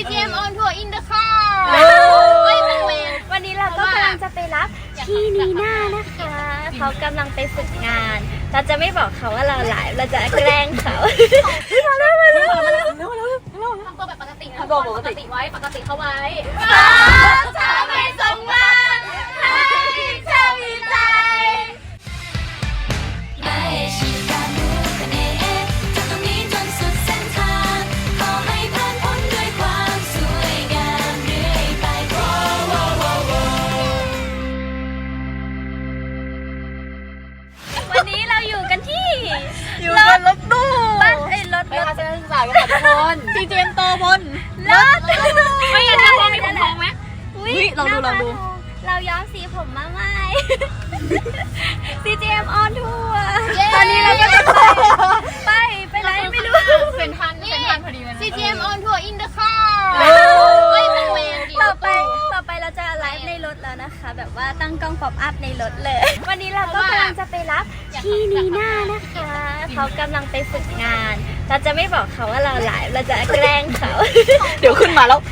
CGM on tour in the car วันนี้เราก็กำลังจะไปรับพี่นีน่านะคะเขากำลังไปฝึกงาน เราจะไม่บอกเขาว่าเราไลฟ์เราจะแกล้งเขามาเร็วทำตัวแบบปกตินะปกติไว้ปกติเขาไว้จะไม่สมหวังให้เธอมีใจไม่ใช่การเมืองเป็นเองจากตรงนี้จนสุดเส้นทางขอให้ผ่านพ้นด้วยความสวยงามเรื่อยไปวันนี้เราอยู่กันที่รถตู้บ้านรถไปทัศนศึกษากันทุกคน CGM โตพลรถไม่งั้นจะพอมีผมทองไหมลองดูเราย้อมสีผมมาใหม่ CGM on tour ตอนนี้เราก็จะไปไหนไม่รู้เป็นทันพอดีเลย CGM on tour in the car ต่อไปเราจะไลฟ์ในรถแล้วนะคะ แบบว่าตั้งกล้องป๊อปอัพในรถเลย วันนี้เราก็กำลังจะไปรับพี่นีน่านะคะเขากำลังไปฝึกงาน เราจะไม่บอกเขาว่าเราไลฟ์เราจะแกล้งเขาเดี๋ยวขึ้นมาแล้ว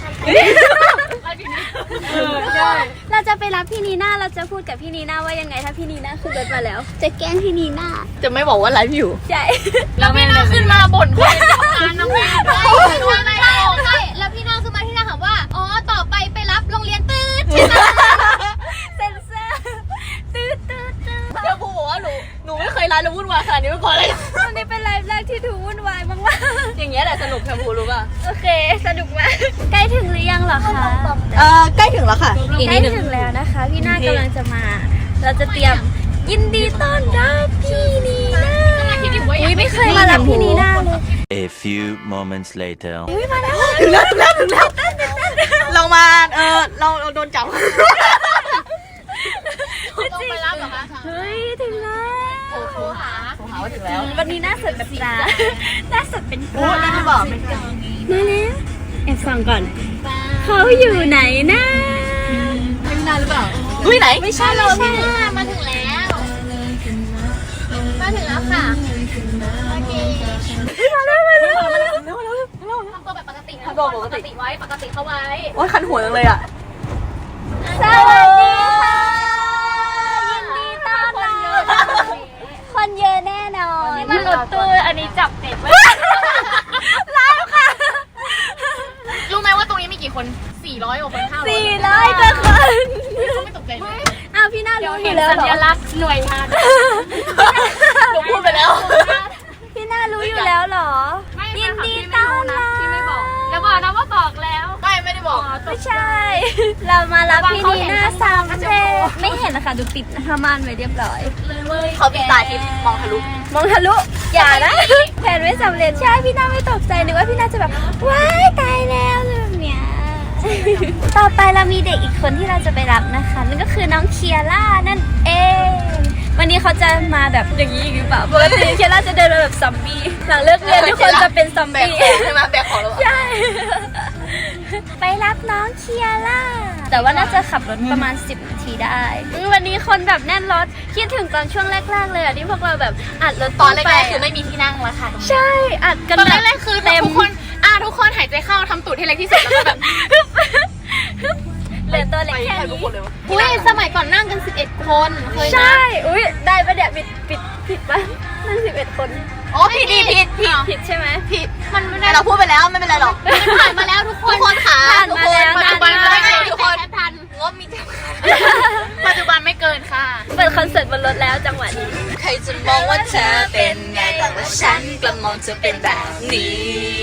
เราจะไปรับพี่นีน่าเราจะพูดกับพี่นีน่าว่ายังไงถ้าพี่นีน่าขึ้นรถมาแล้ว จะแกล้งพี่นีน่าจะไม่บอกว่าไลฟ์อยู่ใช่แล้วพี่น่าขึ้นมาบ่นคนทำงานน้องแม่แล้วพี่น่าขึ้นมาที่น่าถามว่าอ๋อต่อไปรับโรงเรียนตืดเซ็นเซอร์ตื้อเดี๋ยวพูบอกว่าหนูไม่เคยไลฟ์แล้ววุ่นวายขนาดนี้มาก่อนเลยวันนี้เป็นไลฟ์แรกที่ดูวุ่นวายมากอย่างเงี้ยแหละสนุกแคมพูรู้ป่ะๆโอเคสนุกมากใกล้ถึงหรือยังเหรอคะใกล้ถึงแล้วค่ะอีกใกนิล้ดนึงถึงแล้วนะคะ พี่น่ากำลังจะมา เราจะเตรียมยินดีต้อนรับพี่นีน่าอุ้ยไม่เคยมารับพี่นีน่าเลย A few moments later. อุ้ยมาแล้วถึงแล้วเรามาเราโดนจับต้องไปรับเหรอคะเฮ้ยถึงแล้วโทรหาว่าถึงแล้ววันนี้หน้าสดแบบปลาหน้าสดเป็นปลานั่นจะบอกไหมมาแล้วแอบฟังก่อนเขาอยู่ไหนนะไม่นานหรือเปล่าอุ้ยไหนไม่ใช่เราพี่มาถึงแล้วค่ะโอเคมาแล้วทำตัวแบบปกตินะปกติไว้ปกติเขาไว้โอ้ยคันหัวจังเลยอ่ะสวัสดีค่ะยินดีต้อนรับคนเยอะแน่นอนมันรถตู้อันนี้จับเด็กไว้แล้วค่ะรู้ไหมว่าตรงนี้มีกี่คน400กว่าคน500 400กว่าคนเขาไม่ตกใจเลยอ้าวพี่น่ารู้อยู่แล้วสัเหรญอลักษณ์หน่วยงานหนูพูดไปแล้วพี่น่ารู้อยู่แล้วเหรอยินดีต้อนรับที่ไม่บอกอย่าบอกนะว่าบอกแล้วไม่ได้บอกไม่ใช่ เรามารับพี่นีน่าสามเทไม่เห็นนะคะดูปิดผ้าม่านไว้เรียบร้อยเขาปิดตาทิพย์มองทะลุมองทะลุอย่านะแผนไม่สำเร็จใช่พี่น่าไม่ตกใจนึกว่าพี่น่าจะแบบว้ายตายแล้วแบบเนี้ยต่อไปเรามีเด็กอีกคนที่เราจะไปรับนะคะนั่นก็คือน้องเคียร่านั่นเองวันนี้เขาจะมาแบบอย่างนี้หรือเปล่าปกติเคียร่าจะเดินมาแบบซอมบี้หลังเลิกเรียนทุกคนจะเป็นซอมแบกบี้ของใช่ไหมแบกของแล้วใช่ ไปรับน้องเคียร่าแต่ว่าน่าจะขับรถประมาณ10 นาทีได้วันนี้คนแบบแน่นรถคิดถึงตอนช่วงแรกๆเลยอะที่พวกเราแบบอัดรถตอนแรกๆคือไม่มีที่นั่งแล้วค่ะใช่อัดกันตอนแบบแรกๆคือเต็มทุกคนหายใจเข้าทำตูดให้เล็กที่สุดแล้วก็แบบเหลือตัวเล็กแค่ทุกนี้คนเลยวะอุ้ยสมัยก่อนนั่งกัน11 คนเคยนะใช่อุ้ยได้ปะเนี่ยผิดปะนั่น11 คนอ๋อผิดผิดใช่ไหมผิดมันไม่ได้เราพูดไปแล้วไม่เป็นไรหรอกผ่านมาแล้วทุกคนขาผ่านมาแล้วปัจจุบันนานไม่มากเกินทุกคนทันงบมีจำกัดปัจจุบันไม่เกินค่ะเปิดคอนเสิร์ตบนรถแล้วจังหวะนี้ใครจะมองว่าเธอเป็นไงแต่ว่าฉันกลับมองเธอเป็นแบบนี้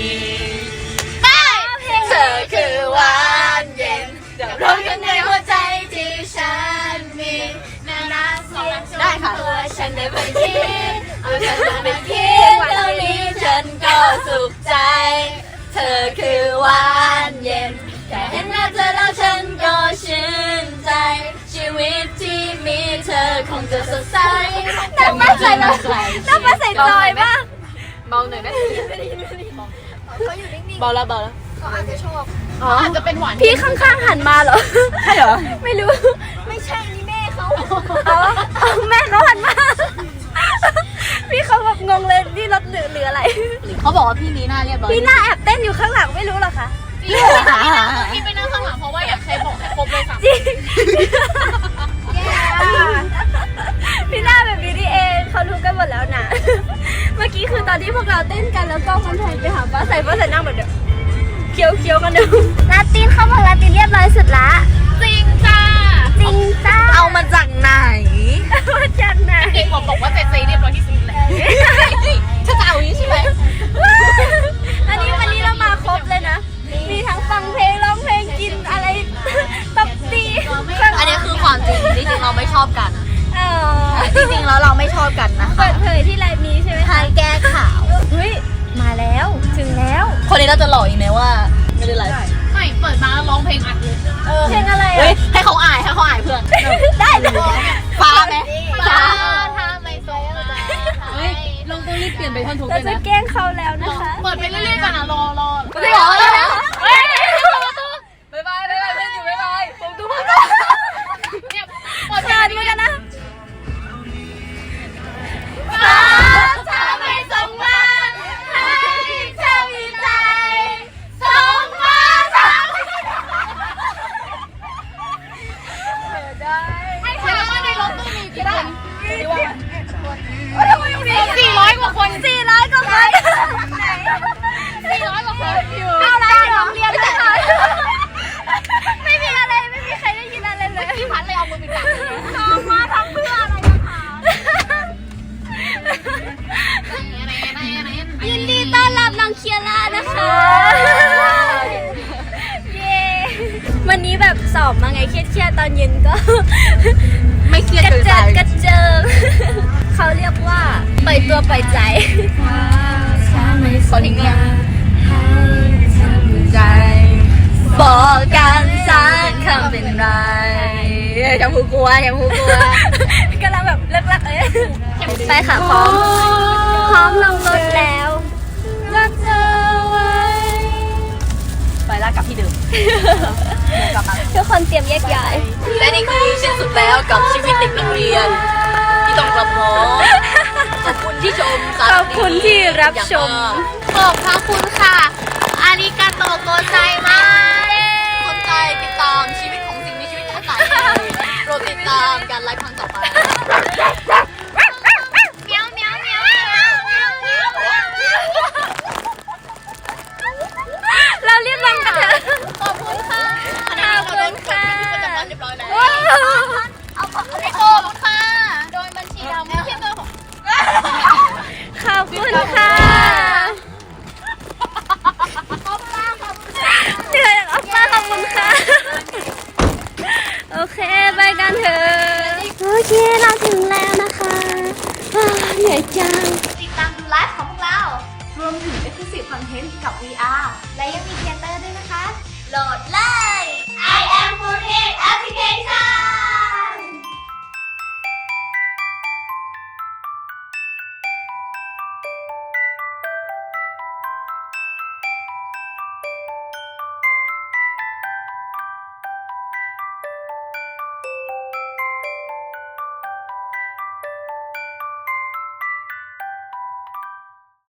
เธอคือหวานเย็นจะร้องกันในหัวใจที่ฉันมีได้ค่ะตัวฉันได้ไปคิดเอาฉันไปคิดเท่านี้ฉันก็สุขใจ เธอคือหวานเย็นแค่เห็นหน้าเธอแล้วฉันก็ชื่นใจ ชีวิตที่มีเธอคงจะสดใสน้ำมาใส่จอยป่ะเบาหน่อยไหมเบาแล้วอ๋ออาจจะเป็นหวานพี่ข้างๆหันมาเหรอใช่เหรอไม่รู้ ไม่ใช่นี่แม่เขาเอาแม่เขาหันมา พี่เขาแบบงงเลยนี่รถหรืออะไรเขาบอกว่าพี่นีน่าเรียบร้อยพี่หน้าแอบเต้นอยู่ข้างหลังไม่รู้เหรอคะจริงๆที่ไปนั่งข้างหลังเพราะว่าอยากใช้บอกให้ครบเลย3 จริงพี่หน้าแบบนี้นี่เองเขารู้กันหมดแล้วนะ เมื่อกี้คือตอนที่พวกเราเต้นกันแล้วก็มันแทนไปหาป้าใส่นั่งแบบเดียวเคี้ยวกันดูลาตินเขาบอกลาตินเรียบร้อยสุดละจริงจ้าจริงจ้าเอามาจากไหนมาจากไหนเด็กบอกว่าเจเรียบร้อยที่สุดแล้วถ้าจะเอาอย่างนี้ใช่ไหมอันนี้วันนี้เรามาครบเลยนะ มีทั้งฟังเพลงร้องเพลงกินอะไรตบตีอันนี้คือความจริงจริงๆเราไม่ชอบกันอ๋อจริงๆแล้วเราไม่ชอบกันนะคะเปิดเผยที่ไลฟ์นี้ใช่ไหมทางแก้ข่าวเฮ้ยมาแล้วถึงแล้วคนนี้เราจะหลอกอีกไหมว่าไม่ได้ไลฟ์ไม่เปิดมาแล้วร้องเพลงอัดเลยเพลงอะไรเฮ้ยอ่ะให้เขาอายเพื่อนได้เลยฟ้าไหมฟ้าถ้าไม่สงมาเฮ้ยลงต้องรีบเปลี่ยนไปท่อนทุกเราเลยจะนะแกล้งเขาแล้วนะคะเปิดไปเรื่อยๆกันนะรอไม่หรอเฮ้ยบ๊ายบายเพื่อนอยู่บ๊ายบายผมดูเนี่ยเปิดเชิญมากันนะฟ้าถ้าไม่สงมาให้เจ้ามีใจส่งมาทางให้ใครว่าในรถตู้มีกี่คน400 กว่าคน 400 กว่าคน 400 กว่าคนอยู่เอาอะไรโรงเรียนนะคะไม่มีอะไรไม่มีใครได้ยินอะไรเลยพี่พัดเลยเอามือไปจับน้องมาทำเพื่ออะไรนะคะยินดีต้อนรับน้องเคียร่านะคะ เย้ วันนี้แบบสอบมาไงเครียดๆตอนเย็นก็ไม่เครียดกระเกินเจิไปดกระเจิง เขาเรียกว่าปล่อยตัวปล่อยใจขอทิ้งเนี่ยใจ บอกกันสักคำเป็นไรอย่าพูดกลัวกำลังแบบเลิกๆไปค่ะพร้อมลงรถแล้วรักเธอไว้ไปลากกลับที่เดิมทุกคนเตรียมแยกย้ายและนี่คือสิ้นสุดแล้วกับชีวิตเด็กนักเรียน ที่ต้องรับน้องขอบคุณที่ชมขอบคุณที่รับชมขอบพระคุณค่ะ อาริกาโตโกไซมาสนใจติดตามชีวิตของสิ่งมีชีวิตทั้งหลายโปรดติดตามการไลฟ์ครั้งต่อไปเมียวเมียวเมียวเมียวเมียวเมียวเมียวเมียวเราเรียบร้อยกันเถอะขอบคุณค่ะขอบคุณค่ะประจำวันเรียบร้อยแล้วขอบคุณค่ะ โดยบัญชีดำไม่ใช่เบอร์ของขอบคุณค่ะเหนื่อยอ่ะป้าขอบคุณค่ะ โอเคไปกันเถอะโอเคเราถึงแล้วนะคะเหนื่อยจังติดตามดูไลฟ์ของพวกเรา รวมถึง Exclusive Content กับ VR และยังมีเทเตอร์ด้วยนะคะ โหลดเลย I am Foodhead Application